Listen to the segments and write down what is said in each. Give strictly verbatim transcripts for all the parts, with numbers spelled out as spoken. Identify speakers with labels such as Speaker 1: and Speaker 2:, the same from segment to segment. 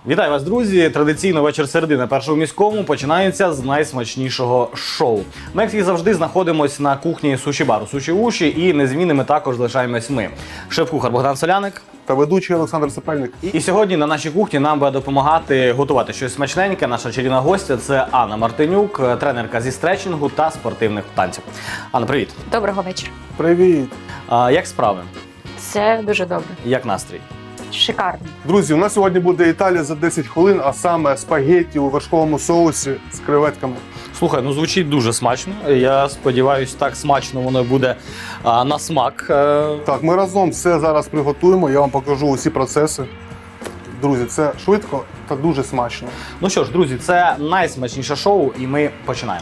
Speaker 1: Вітаю вас, друзі! Традиційно вечір середи на Першому міському починається з найсмачнішого шоу. Ми, як і завжди, знаходимося на кухні суші-бару «Суші Уші» і незмінними також залишаємось ми. Шеф-кухар Богдан Соляник
Speaker 2: та ведучий Олександр Сапельник.
Speaker 1: І сьогодні на нашій кухні нам буде допомагати готувати щось смачненьке. Наша чарівна гостя – це Анна Мартинюк, тренерка зі стретчингу та спортивних танців. Анна, привіт!
Speaker 3: Доброго вечора.
Speaker 2: Привіт!
Speaker 1: А, як справи?
Speaker 3: Все дуже добре.
Speaker 1: Як настрій?
Speaker 3: Шикарно.
Speaker 2: Друзі, у нас сьогодні буде Італія за десять хвилин, а саме спагетті у вершковому соусі з креветками.
Speaker 1: Слухай, ну звучить дуже смачно. Я сподіваюся, так смачно воно буде а, на смак.
Speaker 2: Так, ми разом все зараз приготуємо, я вам покажу усі процеси. Друзі, це швидко та дуже смачно.
Speaker 1: Ну що ж, друзі, це найсмачніше шоу, і ми починаємо.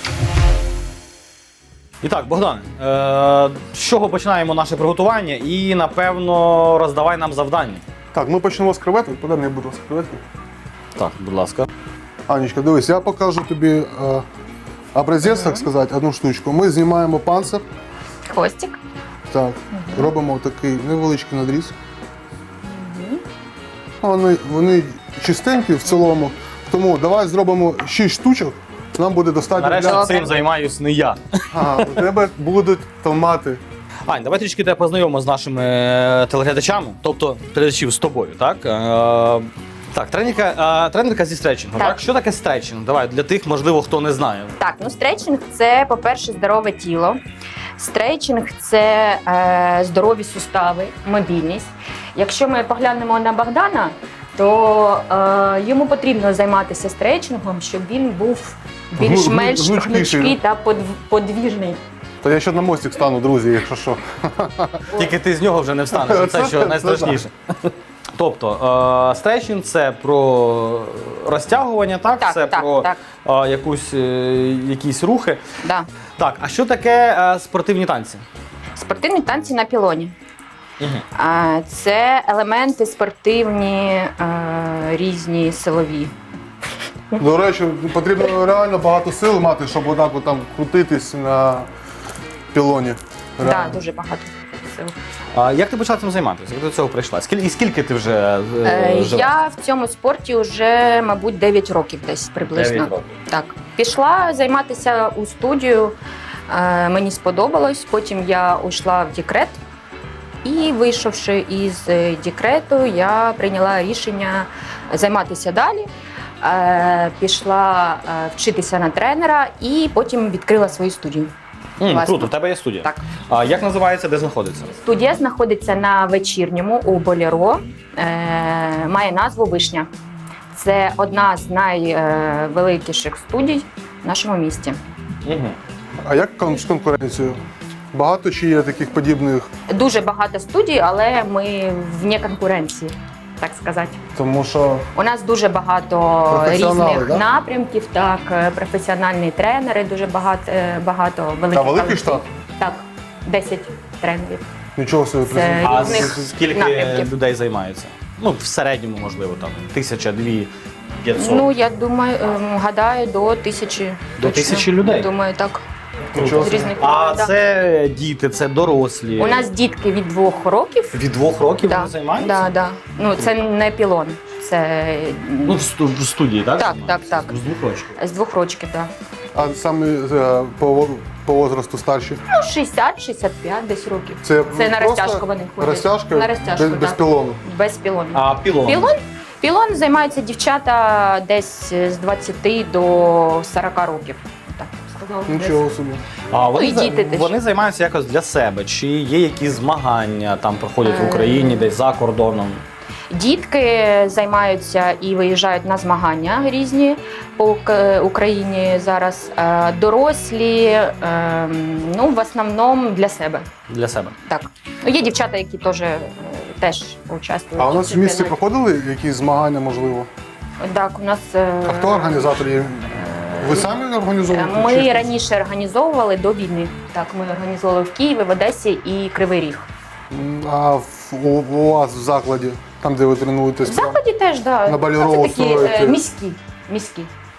Speaker 1: І так, Богдан, е- з чого починаємо наше приготування? І, напевно, роздавай нам завдання.
Speaker 2: Так, ми почнемо з креветок. Подай мені, будь ласка, креветки.
Speaker 1: Так, будь ласка.
Speaker 2: Анечка, дивись, я покажу тобі е, образець, так сказати, одну штучку. Ми знімаємо панцир.
Speaker 3: Хвостик.
Speaker 2: Так, робимо такий невеличкий надріз. Вони, вони чистенькі в цілому, тому давай зробимо шість штучок. Нам буде достатньо.
Speaker 1: Нарешті
Speaker 2: для...
Speaker 1: цим займаюсь не я.
Speaker 2: Ага, у тебе будуть томати.
Speaker 1: Ань, давай трішки тебе познайомимо з нашими е, телеглядачами, тобто телеглядачів з тобою, так? Е, так, тренерка, е, тренерка зі стретчингу, так.
Speaker 3: Так.
Speaker 1: Що таке стретчинг? Давай, для тих, можливо, хто не знає.
Speaker 3: Так, ну стретчинг – це, по-перше, здорове тіло. Стретчинг – це е, здорові сустави, мобільність. Якщо ми поглянемо на Богдана, то е, йому потрібно займатися стретчингом, щоб він був більш-менш
Speaker 2: Гну- гнучкіший.
Speaker 3: гнучкий та подв- подвіжний.
Speaker 2: То я ще на мостик стану, друзі, якщо що.
Speaker 1: Тільки ти з нього вже не встанеш, це що найстрашніше. Тобто, е, стретчинг – це про розтягування, так?
Speaker 3: Так,
Speaker 1: це
Speaker 3: так,
Speaker 1: про
Speaker 3: так.
Speaker 1: Е, якусь, е, якісь рухи.
Speaker 3: Да.
Speaker 1: Так, а що таке е, спортивні танці?
Speaker 3: Спортивні танці на пілоні.
Speaker 1: Угу.
Speaker 3: А, Це елементи спортивні, е, різні, силові.
Speaker 2: До речі, потрібно реально багато сил мати, щоб отак от там крутитись на пілоні.
Speaker 3: Так,
Speaker 2: Реально.
Speaker 3: да, дуже багато сил.
Speaker 1: А як ти почала цим займатися? Як до цього прийшла? Скільки, і скільки ти вже е,
Speaker 3: Е,
Speaker 1: живеш?
Speaker 3: Я в цьому спорті вже, мабуть, дев'ять років десь приблизно.
Speaker 1: дев'ять років.
Speaker 3: Так. Пішла займатися у студію, е, мені сподобалось, потім я йшла в декрет. І вийшовши із е, декрету, я прийняла рішення займатися далі. Е, Пішла е, вчитися на тренера і потім відкрила свою студію.
Speaker 1: М,
Speaker 3: Власне.
Speaker 1: круто, в тебе є студія.
Speaker 3: Так.
Speaker 1: А як називається, де знаходиться?
Speaker 3: Студія знаходиться на Вечірньому у Болеро, е, має назву «Вишня». Це одна з найвеликіших студій в нашому місті.
Speaker 1: Угу.
Speaker 2: А як кон- з конкуренцією? Багато чи є таких подібних?
Speaker 3: Дуже багато студій, але ми вне конкуренції, так сказати.
Speaker 2: Тому що
Speaker 3: У нас дуже багато
Speaker 2: Професіонали,
Speaker 3: різних
Speaker 2: да?
Speaker 3: напрямків, так, е, професіональні тренери, дуже багато, е, багато великих.
Speaker 2: Та великий
Speaker 3: колективів.
Speaker 2: штат?
Speaker 3: Так, десять тренерів.
Speaker 2: Нічого собі
Speaker 3: Це-
Speaker 2: призна-
Speaker 1: А
Speaker 3: різних
Speaker 1: з- скільки
Speaker 3: напрямків.
Speaker 1: людей займається? Ну, в середньому, можливо, там тисяча, дві, п'ятсот.
Speaker 3: Ну, я думаю, ем, гадаю, до тисячі.
Speaker 1: До
Speaker 3: точно.
Speaker 1: тисячі людей?
Speaker 3: Думаю, так.
Speaker 2: Нічого
Speaker 3: З
Speaker 2: собі.
Speaker 3: різних
Speaker 1: А
Speaker 3: країн, да.
Speaker 1: це діти, це дорослі.
Speaker 3: У нас дітки від двох років.
Speaker 1: від двох років
Speaker 3: Да,
Speaker 1: вони займаються?
Speaker 3: да, да. Ну, це не пілон, це
Speaker 1: Ну, в, сту- в студії, так?
Speaker 3: Так,
Speaker 1: займаються?
Speaker 3: так, так.
Speaker 1: З двох років.
Speaker 3: з двох років, так.
Speaker 2: А саме е, по, по возрасту старші?
Speaker 3: Ну, шістдесят шістдесят п'ять десь років.
Speaker 2: Це,
Speaker 3: Це на
Speaker 2: просто
Speaker 3: розтяжку вони ходять.
Speaker 2: Розтяжка
Speaker 3: На розтяжку,
Speaker 2: без, без
Speaker 3: так.
Speaker 2: пілону.
Speaker 3: Без пілону.
Speaker 1: А пілон?
Speaker 3: Пілон? Пілон займаються дівчата десь з двадцяти до сорока років. Так, сказала.
Speaker 2: Нічого собі.
Speaker 1: А вони,
Speaker 3: і
Speaker 1: за-
Speaker 3: діти теж.
Speaker 1: вони займаються якось для себе? Чи є якісь змагання, там проходять в
Speaker 3: Е.
Speaker 1: Україні, десь за кордоном?
Speaker 3: Дітки займаються і виїжджають на змагання різні по Ук- Україні зараз. Е, Дорослі, е, ну, в основному для себе.
Speaker 1: Для себе.
Speaker 3: Так. Ну, є дівчата, які теж, е, теж участвують.
Speaker 2: А у нас в місті
Speaker 3: чемпіонаті.
Speaker 2: проходили якісь змагання, можливо?
Speaker 3: Так, у нас е,
Speaker 2: А хто організатор є? Ви самі організовуєте?
Speaker 3: ми
Speaker 2: чи-
Speaker 3: раніше організовували до війни. Так, ми організовували в Києві, в Одесі і Кривий Ріг.
Speaker 2: М, А в, у, у вас в закладі, там де ви тренуєтесь?
Speaker 3: В закладі теж, да.
Speaker 2: На Болеро
Speaker 3: Ну, це такі
Speaker 2: устроїте?
Speaker 3: е, міські. міські.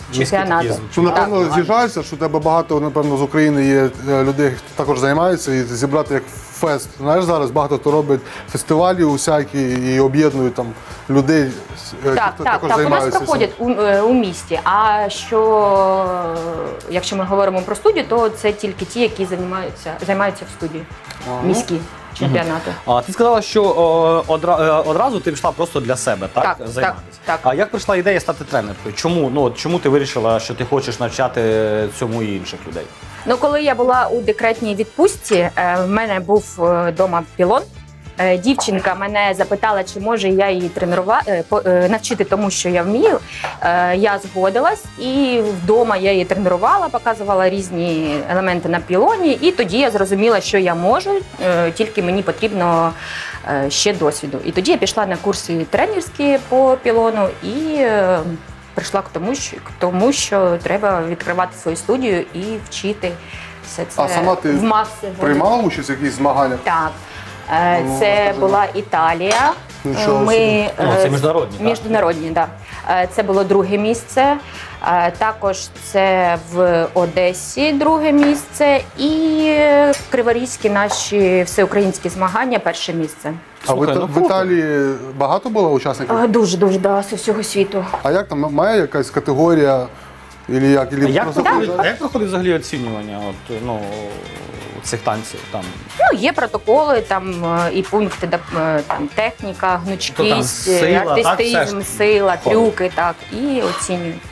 Speaker 3: чемпіонату.
Speaker 1: такий
Speaker 2: Що, напевно, з'їжджаються, що у тебе багато, напевно, з України є е, людей, хто також займаються, і зібрати як фест. Знаєш, зараз багато хто робить фестивалі усякі і об'єднують там людей, е,
Speaker 3: Так,
Speaker 2: хто
Speaker 3: так,
Speaker 2: також
Speaker 3: так. У нас
Speaker 2: займаються.
Speaker 3: проходять у, е, у місті. А що, е, якщо ми говоримо про студію, то це тільки ті, які займаються, займаються в студії.
Speaker 2: Ага.
Speaker 3: Міські чемпіонати.
Speaker 1: А ти сказала, що о, одра, е, одразу ти пішла просто для себе, так?
Speaker 3: Так,
Speaker 1: займатися.
Speaker 3: так, так.
Speaker 1: А як прийшла ідея стати тренеркою? Чому? Ну, от чому ти вирішила, що ти хочеш навчати цьому і інших людей?
Speaker 3: Ну, коли я була у декретній відпустці, е, в мене був вдома пілон. Е, Дівчинка мене запитала, чи може я її тренувати, навчити тому, що я вмію. Е, Я згодилась, і вдома я її тренувала, показувала різні елементи на пілоні. І тоді я зрозуміла, що я можу, е, тільки мені потрібно е, ще досвіду. І тоді я пішла на курси тренерські по пілону і е, прийшла к тому, що, к тому, що треба відкривати свою студію і вчити все це
Speaker 2: А сама ти
Speaker 3: в маси.
Speaker 2: Приймала участь в якихось змаганнях?
Speaker 3: Так. Е,
Speaker 2: Ну,
Speaker 3: Це
Speaker 2: розкажи.
Speaker 3: була Італія.
Speaker 2: Нічого
Speaker 3: Ми,
Speaker 2: собі.
Speaker 1: Ну, це
Speaker 3: е,
Speaker 1: міжнародні, так?
Speaker 3: Міжнародні, так. Да. Це було друге місце. Е, Також це в Одесі друге місце. І криворізькі наші всеукраїнські змагання перше місце.
Speaker 2: А в,
Speaker 1: Слухай,
Speaker 2: Іта-
Speaker 1: ну,
Speaker 2: в
Speaker 1: круто.
Speaker 2: Італії багато було учасників?
Speaker 3: Е, Дуже-дуже, да, з усього світу.
Speaker 2: А як там має якась категорія? Ілі як? Ілі
Speaker 1: А як,
Speaker 2: просто
Speaker 1: проходить,
Speaker 2: приїжджаєш?
Speaker 1: а як проходить взагалі оцінювання от, ну, цих танців? Там?
Speaker 3: Ну, є протоколи, там е, і пункти, де, е, там техніка, гнучкість,
Speaker 1: То там сила, так,
Speaker 3: артистизм,
Speaker 1: все ж
Speaker 3: сила,
Speaker 1: входить?
Speaker 3: трюки, так, і оцінюють.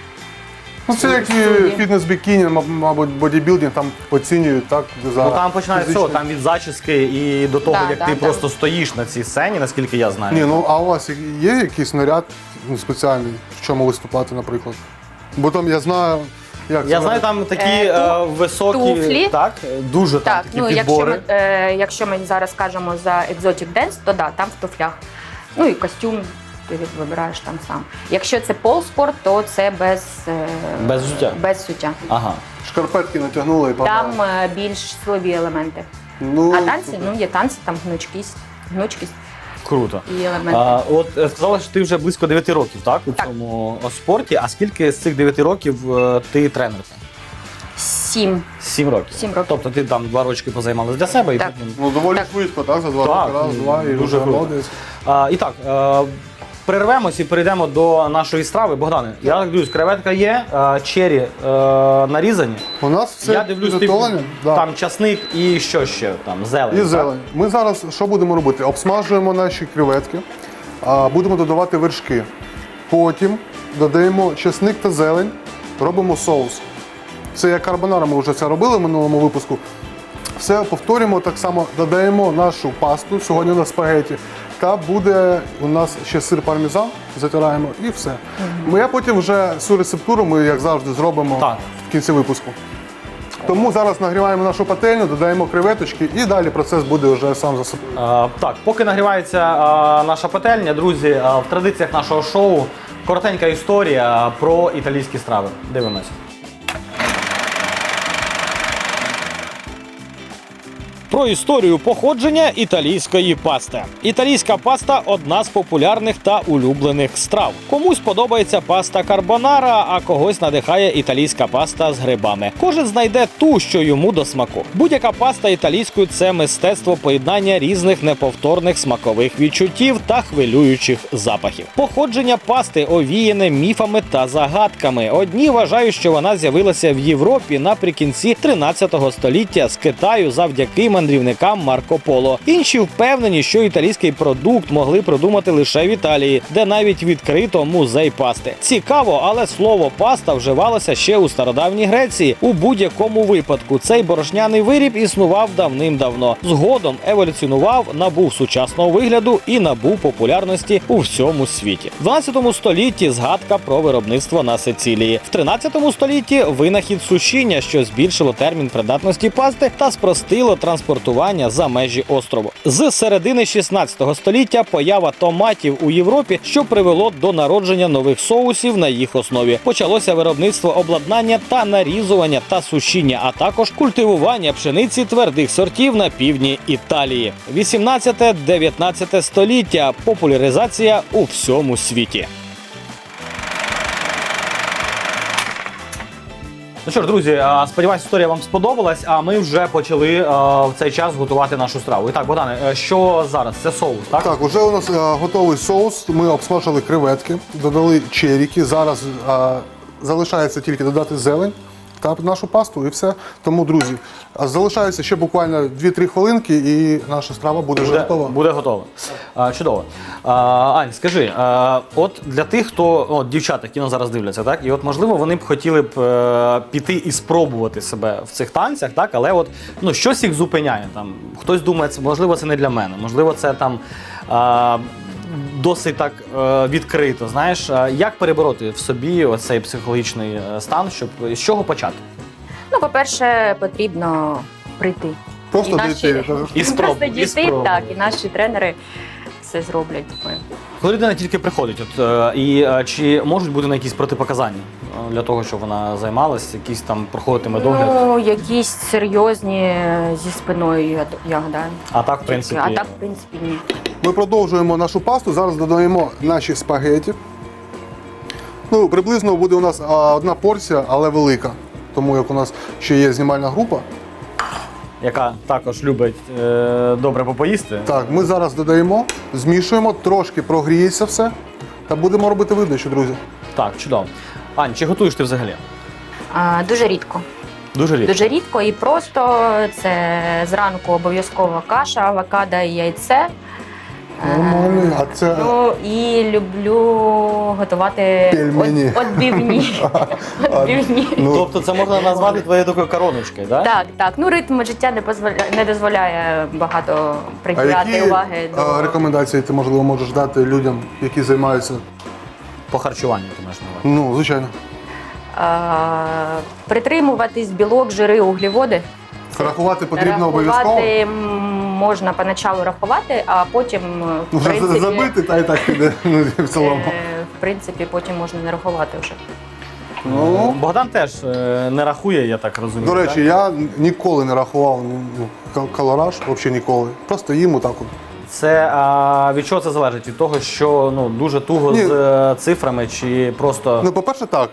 Speaker 2: Ну, це як і
Speaker 3: Студії.
Speaker 2: фітнес-бікіні, маб- мабуть, бодібілдинг, там оцінюють, так? За
Speaker 1: Ну, там починається
Speaker 2: фізичну-
Speaker 1: всього, там від зачіски і до того,
Speaker 3: Да,
Speaker 1: як
Speaker 3: да,
Speaker 1: ти
Speaker 3: да.
Speaker 1: просто стоїш на цій сцені, наскільки я знаю.
Speaker 2: Ні, ну а у вас є якийсь наряд ну, спеціальний, в чому виступати, наприклад? Бо там я знаю, як
Speaker 1: Я
Speaker 2: це
Speaker 1: знаю, там такі
Speaker 3: Е,
Speaker 1: е,
Speaker 3: ту-
Speaker 1: високі,
Speaker 3: туфлі.
Speaker 1: так, дуже там
Speaker 3: Так,
Speaker 1: такі
Speaker 3: ну якщо
Speaker 1: підбори.
Speaker 3: ми, е, якщо ми зараз кажемо за Exotic Dance, то да, там в туфлях. Ну і костюм ти вибираєш там сам. Якщо це полспорт, то це без, е,
Speaker 1: Без взуття?
Speaker 3: без взуття.
Speaker 1: Ага.
Speaker 2: шкарпетки натягнули і погнали.
Speaker 3: Там е, більш силові елементи.
Speaker 2: Ну,
Speaker 3: А танці,
Speaker 2: супер.
Speaker 3: ну є танці, там гнучкість, гнучкість
Speaker 1: Круто.
Speaker 3: і елементи.
Speaker 1: А, от е, сказала, що ти вже близько дев'яти років, так, у
Speaker 3: Так.
Speaker 1: цьому о, спорті. А скільки з цих дев'яти років е, ти тренерка?
Speaker 3: Сім.
Speaker 1: Сім років.
Speaker 3: Сім років.
Speaker 1: Тобто ти там два рочки позаймалась для себе і
Speaker 3: Так.
Speaker 1: потім.
Speaker 2: Ну, доволі
Speaker 3: Так.
Speaker 2: швидко, так? За два
Speaker 1: Так,
Speaker 2: роки, раз,
Speaker 1: ну,
Speaker 2: два, і
Speaker 1: дуже
Speaker 2: вже
Speaker 1: круто.
Speaker 2: молодець.
Speaker 1: А, і так, е, перервемось і перейдемо до нашої страви. Богдане, я так дивлюсь, креветка є, е, чері е, нарізані.
Speaker 2: У нас все
Speaker 1: я дивлюсь, ти,
Speaker 2: підготовлено. Да.
Speaker 1: там часник і що ще? Там зелень.
Speaker 2: І
Speaker 1: так?
Speaker 2: зелень. Ми зараз що будемо робити? Обсмажуємо наші креветки, а, будемо додавати вершки. Потім додаємо чесник та зелень, робимо соус. Це як карбонара, ми вже це робили в минулому випуску. Все повторюємо, так само додаємо нашу пасту, сьогодні на спагеті. Та буде у нас ще сир пармезан, затираємо і все. Ми а потім вже цю рецептуру ми, як завжди, зробимо
Speaker 1: Так.
Speaker 2: в кінці випуску. Тому зараз нагріваємо нашу пательню, додаємо креветочки і далі процес буде вже сам за собою.
Speaker 1: Е, так, поки нагрівається е, наша пательня, друзі, е, в традиціях нашого шоу коротенька історія про італійські страви. Дивимося. Про історію походження італійської пасти. Італійська паста одна з популярних та улюблених страв. Комусь подобається паста карбонара, а когось надихає італійська паста з грибами. Кожен знайде ту, що йому до смаку. Будь-яка паста італійською – це мистецтво поєднання різних неповторних смакових відчуттів та хвилюючих запахів. Походження пасти овіяне міфами та загадками. Одні вважають, що вона з'явилася в Європі наприкінці тринадцятого століття з Китаю завдяки мандрівникам Марко Поло. Інші впевнені, що італійський продукт могли придумати лише в Італії, де навіть відкрито музей пасти. Цікаво, але слово паста вживалося ще у стародавній Греції. У будь-якому випадку цей борошняний виріб існував давним-давно. Згодом еволюціонував, набув сучасного вигляду і набув популярності у всьому світі. В дванадцятому столітті згадка про виробництво на Сицилії. В тринадцятому столітті винахід сушіння, що збільшило термін придатності пасти та спростило транспортування за межі острову. З середини шістнадцятого століття поява томатів у Європі, що привело до народження нових соусів на їх основі. Почалося виробництво обладнання та нарізування та сушіння, а також культивування пшениці твердих сортів на півдні Італії. вісімнадцяте-дев'ятнадцяте століття. Популяризація у всьому світі. Ну що ж, друзі, а, сподіваюсь, історія вам сподобалась, а ми вже почали а, в цей час готувати нашу страву. І так, Богдане, е, що зараз? Це соус, так?
Speaker 2: Так, вже у нас е, готовий соус. Ми обсмажили креветки, додали черіки. Зараз е, залишається тільки додати зелень та нашу пасту і все. Тому, друзі, а залишається ще буквально дві-три хвилинки і наша страва буде вже
Speaker 1: Буде,
Speaker 2: готова.
Speaker 1: буде готово. А, чудово. А, Ань, скажи, а, от для тих, хто, от дівчата, які нас зараз дивляться, так, і от можливо вони б хотіли б е, піти і спробувати себе в цих танцях, так, але от ну щось їх зупиняє. Там хтось думає, це можливо, це не для мене, можливо, це там. А, Досить так е, відкрито, знаєш, А як перебороти в собі оцей психологічний е, стан, щоб з чого почати?
Speaker 3: Ну, по-перше, потрібно прийти.
Speaker 2: Просто
Speaker 3: наші-
Speaker 2: дійти.
Speaker 1: І спробу-
Speaker 3: Просто
Speaker 1: і
Speaker 3: дійти,
Speaker 1: спробу.
Speaker 3: так, і наші тренери все зроблять. Ми.
Speaker 1: Коли людина тільки приходить, от, е, і е, чи можуть бути на якісь протипоказання е, для того, щоб вона займалась, якісь там проходитиме догляд?
Speaker 3: Ну, якісь серйозні зі спиною, я, я гадаю.
Speaker 1: А так, в принципі,
Speaker 3: А так, в принципі, ні.
Speaker 2: Ми продовжуємо нашу пасту. Зараз додаємо наші спагеті. Ну, приблизно буде у нас а, одна порція, але велика. Тому як у нас ще є знімальна група.
Speaker 1: яка також любить е, добре попоїсти.
Speaker 2: Так, ми зараз додаємо, змішуємо, трошки прогріється все. Та будемо робити видачу, друзі.
Speaker 1: Так, чудово. Ань, чи готуєш ти взагалі?
Speaker 3: А, дуже рідко.
Speaker 1: Дуже рідко.
Speaker 3: Дуже рідко і просто це зранку обов'язково каша, авокадо і яйце.
Speaker 2: Нормально. А це
Speaker 3: Ну і люблю готувати
Speaker 2: Пельмені.
Speaker 3: от- отбивні. Отбивні.
Speaker 2: ну,
Speaker 1: Тобто це можна назвати твоєю такою короночкою, так?
Speaker 3: Так, так. Ну ритм життя не дозволяє, не дозволяє багато
Speaker 2: а
Speaker 3: приділяти
Speaker 2: які
Speaker 3: уваги
Speaker 2: а,
Speaker 3: до
Speaker 2: рекомендації ти, можливо, можеш дати людям, які займаються?
Speaker 1: По харчуванню ти маєш на увазі.
Speaker 2: Ну, звичайно.
Speaker 3: а, притримуватись білок, жири, углеводи.
Speaker 2: Рахувати потрібно обов'язково.
Speaker 3: Рахувати м, можна поначалу рахувати, а потім в
Speaker 2: Вже
Speaker 3: принципі,
Speaker 2: забити, та і так піде ну, в цілому.
Speaker 3: е, в принципі потім можна не рахувати вже.
Speaker 2: Ну,
Speaker 1: Богдан теж е, не рахує, я так розумію.
Speaker 2: до речі,
Speaker 1: так?
Speaker 2: я ніколи не рахував ну, кал- калораж, взагалі ніколи. Просто їм отак от.
Speaker 1: Це а, від чого це залежить? Від того, що ну дуже туго
Speaker 2: Ні.
Speaker 1: з е, цифрами, чи просто
Speaker 2: Ну, по-перше, так.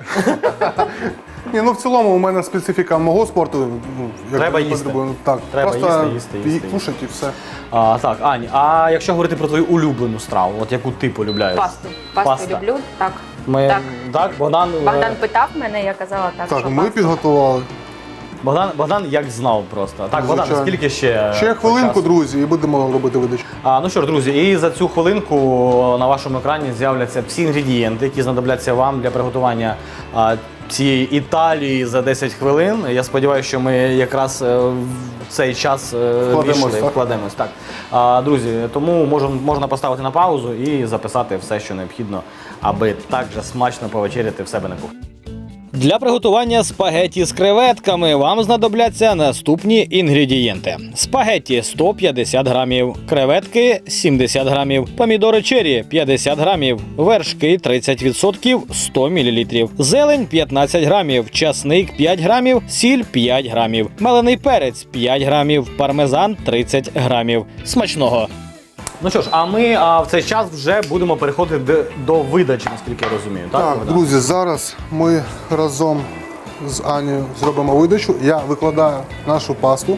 Speaker 2: Ні, ну в цілому у мене специфіка мого спорту. Ну, як
Speaker 1: Треба
Speaker 2: я
Speaker 1: їсти.
Speaker 2: потребую. Так,
Speaker 1: Треба
Speaker 2: просто
Speaker 1: їсти, їсти, їсти,
Speaker 2: ї-
Speaker 1: їсти.
Speaker 2: кушать і все.
Speaker 1: а, так, Ань, а якщо говорити про твою улюблену страву, от яку ти полюбляєш?
Speaker 3: Пасту. Пасту
Speaker 1: Паста.
Speaker 3: люблю. Так.
Speaker 1: Ми
Speaker 3: Так.
Speaker 1: так, Богдан, е,
Speaker 3: Богдан питав мене, я казала так.
Speaker 2: Так,
Speaker 3: що
Speaker 2: ми
Speaker 3: пасту.
Speaker 2: підготували.
Speaker 1: Богдан, Богдан як знав просто. Так, Богдан,
Speaker 2: Звичайно.
Speaker 1: скільки ще?
Speaker 2: Ще хвилинку,
Speaker 1: часу?
Speaker 2: друзі, і будемо робити видачу.
Speaker 1: А, ну що ж, друзі, і за цю хвилинку на вашому екрані з'являться всі інгредієнти, які знадобляться вам для приготування а, цієї Італії за десять хвилин. Я сподіваюся, що ми якраз е, в цей час е,
Speaker 2: Вкладемось,
Speaker 1: ввійшли,
Speaker 2: так?
Speaker 1: вкладемось. Так. А, друзі, тому можна, можна поставити на паузу і записати все, що необхідно, аби так же смачно повечеряти в себе на кухні. Для приготування спагетті з креветками вам знадобляться наступні інгредієнти: спагетті сто п'ятдесят грамів, креветки сімдесят грамів, помідори черрі п'ятдесят грамів, вершки тридцять відсотків сто мілілітрів, зелень п'ятнадцять грамів, часник п'ять грамів, сіль п'ять грамів, мелений перець п'ять грамів, пармезан тридцять грамів. Смачного! Ну що ж, а ми а, в цей час вже будемо переходити до, до видачі, наскільки я розумію. Так,
Speaker 2: Так,
Speaker 1: Богдан?
Speaker 2: друзі, зараз ми разом з Анією зробимо видачу. Я викладаю нашу пасту.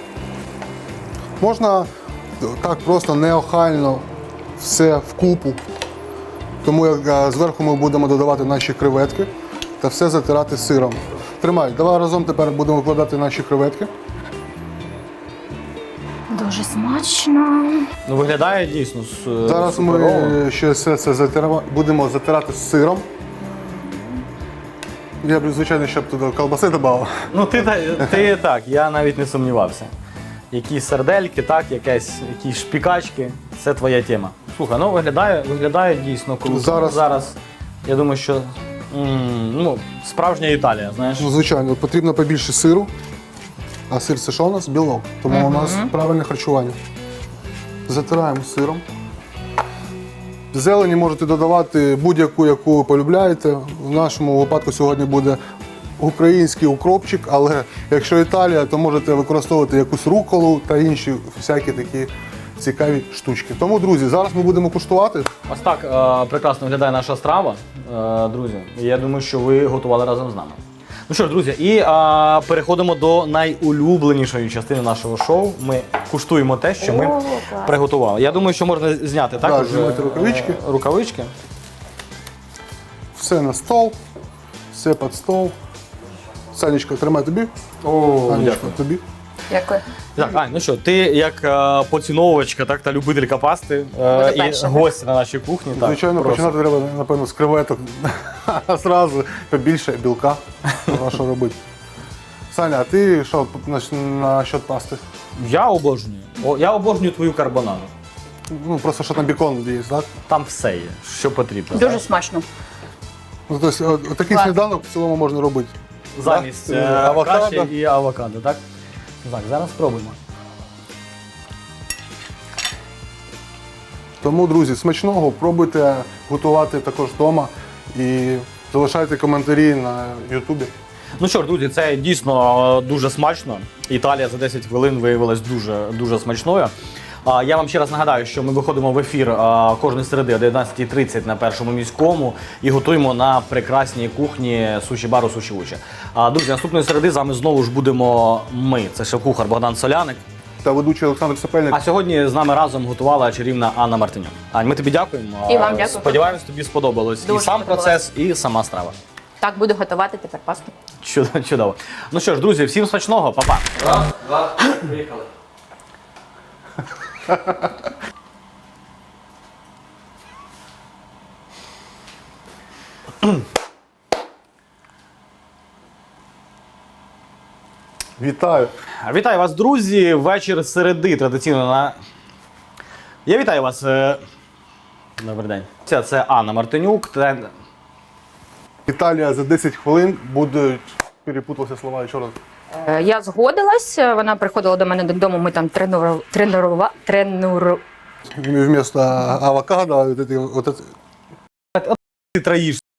Speaker 2: Можна так просто неохайно все вкупу. Тому як е, зверху ми будемо додавати наші креветки та все затирати сиром. Тримай, давай разом тепер будемо викладати наші креветки.
Speaker 3: Дуже смачно.
Speaker 1: Ну, виглядає дійсно с-
Speaker 2: Зараз
Speaker 1: суперово.
Speaker 2: ми ще все це затира- будемо затирати з сиром. Я б, звичайно, ще б туди колбаси додав.
Speaker 1: Ну, ти, та- ти так, я навіть не сумнівався. Якісь сердельки, так, якесь, якісь шпікачки, це твоя тема. Слухай, ну виглядає, виглядає дійсно круто.
Speaker 2: Зараз-
Speaker 1: Зараз я думаю, що м, ну, справжня Італія, знаєш.
Speaker 2: Ну, звичайно, потрібно побільше сиру. А сир це що у нас? Білок. Тому у нас правильне харчування. Затираємо сиром. Зелені можете додавати будь-яку, яку ви полюбляєте. В нашому випадку сьогодні буде український укропчик, але якщо Італія, то можете використовувати якусь руколу та інші всякі такі цікаві штучки. Тому, друзі, зараз ми будемо куштувати.
Speaker 1: Ось так е, прекрасно виглядає наша страва, е, друзі. І я думаю, що ви готували разом з нами. Ну що ж, друзі, і а, переходимо до найулюбленішої частини нашого шоу. Ми куштуємо те, що ми
Speaker 3: О, клас.
Speaker 1: приготували. Я думаю, що можна зняти так,
Speaker 2: Так,
Speaker 1: уже,
Speaker 2: знімайте
Speaker 1: е,
Speaker 2: рукавички.
Speaker 1: рукавички.
Speaker 2: Все на стол, все під стол. Санечка, тримай тобі.
Speaker 1: О,
Speaker 2: Санечка, тобі.
Speaker 3: Дякую.
Speaker 1: Так, Ань, ну що, ти як е, поціновувачка так, та любителька пасти е,
Speaker 3: Буде
Speaker 1: і
Speaker 3: перша.
Speaker 1: гостя на нашій кухні. Так,
Speaker 2: Звичайно,
Speaker 1: просто.
Speaker 2: починати треба, напевно, з креветок. Зразу побільше білка. Треба що робити. Саня, а ти що на, на счет пасти?
Speaker 1: Я обожнюю. О, я обожнюю твою карбонаду.
Speaker 2: Ну, просто що там бекон є, так?
Speaker 1: Там все є, що потрібно.
Speaker 3: Дуже смачно.
Speaker 2: Ну, тобто, от, от такий
Speaker 3: Клас.
Speaker 2: сніданок в цілому можна робити.
Speaker 1: Замість
Speaker 2: Да?
Speaker 1: е,
Speaker 2: Авокадо.
Speaker 1: каші і авокадо, так? Так, зараз спробуємо.
Speaker 2: Тому, друзі, смачного, пробуйте готувати також вдома і залишайте коментарі на Ютубі.
Speaker 1: Ну що ж, друзі, це дійсно е, дуже смачно. Італія за десять хвилин виявилась дуже, дуже смачною. А, Я вам ще раз нагадаю, що ми виходимо в ефір а, кожної середи о дев'ятнадцятій тридцять на першому міському і готуємо на прекрасній кухні суші-бару Суші Учі. А, Друзі, наступної середи з вами знову ж будемо ми. Це шеф-кухар Богдан Соляник.
Speaker 2: Та ведучий Олександр Сапельник.
Speaker 1: А сьогодні з нами разом готувала чарівна Анна Мартинюк. Ань, ми тобі дякуємо.
Speaker 3: І вам дякую.
Speaker 1: Сподіваємось, тобі сподобалось
Speaker 3: Дуже
Speaker 1: і сам
Speaker 3: сподобалось.
Speaker 1: процес, і сама страва.
Speaker 3: Так, буду готувати тепер пасту.
Speaker 1: Чудово, чудово. Ну що ж, друзі, всім смачного, па-па.
Speaker 4: Раз, два, приїхали.
Speaker 2: Вітаю.
Speaker 1: Вітаю вас, друзі. Вечір середи традиційно на. Я вітаю вас. е, Добрий день. Це, це Анна Мартинюк. Трен...
Speaker 2: Італія за десять хвилин будуть. Перепутався слова ще раз.
Speaker 3: Е, Я згодилась, вона приходила до мене додому, ми там тренували, тренували, тренуру...
Speaker 2: Вместо авокадо, вот эти, вот эти
Speaker 1: Ти троїш